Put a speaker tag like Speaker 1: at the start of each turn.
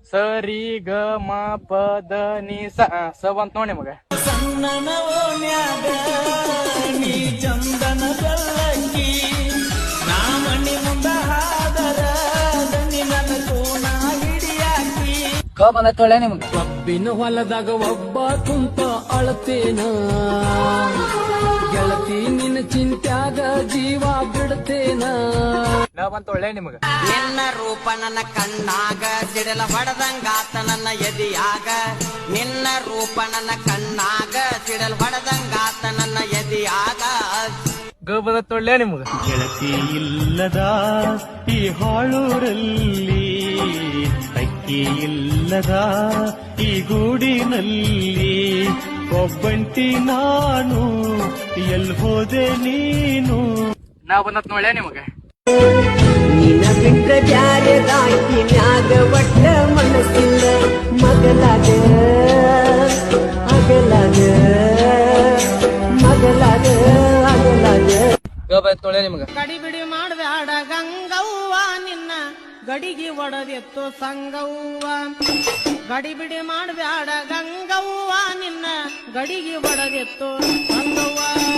Speaker 1: ಸರಿ ಗ ಮ ಪದ ನಿ ಸ ಬಂತ ನೋಡಿ ಮಗ.
Speaker 2: ಸಣ್ಣನ ಓಣ್ಯಾಗ ನೀ ಚಂದನ ಬೆಳ್ಳಕ್ಕಿ, ನಾ ಮಣ್ಣಿ ಮುಂದ ಹಾದರ ದನಿ ನನ್ನ ಕೋನ ಹಿಡಿಯಾಕಿ.
Speaker 1: ಕ ಬಂದತ್ತೊಳ್ಳೆ ನಿಮ್ಗೆ.
Speaker 2: ಕಬ್ಬಿನ ಹೊಲದಾಗ ಒಬ್ಬ ಕುಂತ ಅಳತೇನ, ಗೆಳತಿ ನಿನ್ನ ಚಿಂತ್ಯಾಗ ಜೀವ ಬಿಡ್ತೇನ.
Speaker 1: ನ ಬಂತೊಳ್ಳೆ ನಿಮಗ.
Speaker 3: ನಿನ್ನ ರೂಪ ನನ್ನ ಕಣ್ಣಾಗ ಸಿಡಲ ಹೊಡೆದಂಗಾತ ನನ್ನ ಎದಿಯಾಗ, ನಿನ್ನ ರೂಪ ನನ್ನ ಕಣ್ಣಾಗ ಸಿಡಲ್ ಹೊಡೆದಂಗಾತ ನನ್ನ ಎದಿಯಾಗ.
Speaker 1: ಗ ಬಂದತ್ತೊಳ್ಳೆ ನಿಮಗ.
Speaker 4: ಗೆಳತಿ ಇಲ್ಲದ ಈ ಹಾಳೂರಲ್ಲಿ, ಅಕ್ಕಿ ಇಲ್ಲದ ಈ ಗೂಡಿನಲ್ಲಿ, ಒಬ್ಬಂಟಿ ನಾನು ಎಲ್ ಹೋದೆ ನೀನು.
Speaker 1: ನಾ ಬಂದತ್ ನೋಡ್ಯ ನಿಮಗ.
Speaker 5: ನಿನ್ನ ಬಿಟ್ರೆ ಬ್ಯಾರೆ ರಾಕಿ ಮ್ಯಾಗ ಒಟ್ಟ ಮನಸ್ಸಿಲ್ಲ, ಮಗಲಾಗ ಅಗಲಾಗ ಮಗಲಾಗ ಅಗಲಾಗ.
Speaker 1: ಗ ಬಂದತ್ ನೋಡ್ಯ ನಿಮಗ.
Speaker 6: ಗಡಿಬಿಡಿ ಮಾಡ್ಬ್ಯಾಡ ಗಂಗವ್ವ ನಿನ್ನ ಗಡಿಗೆ ಒಡದೆತ್ತು ಸಂಗವ್ವ, ಗಡಿಬಿಡಿ ಮಾಡ್ಬ್ಯಾಡ ಗಂಗವ್ವ ನಿನ್ನ ಗಡಿಗೆ ಒಡದೆತ್ತು ಸಂಗವ್ವ.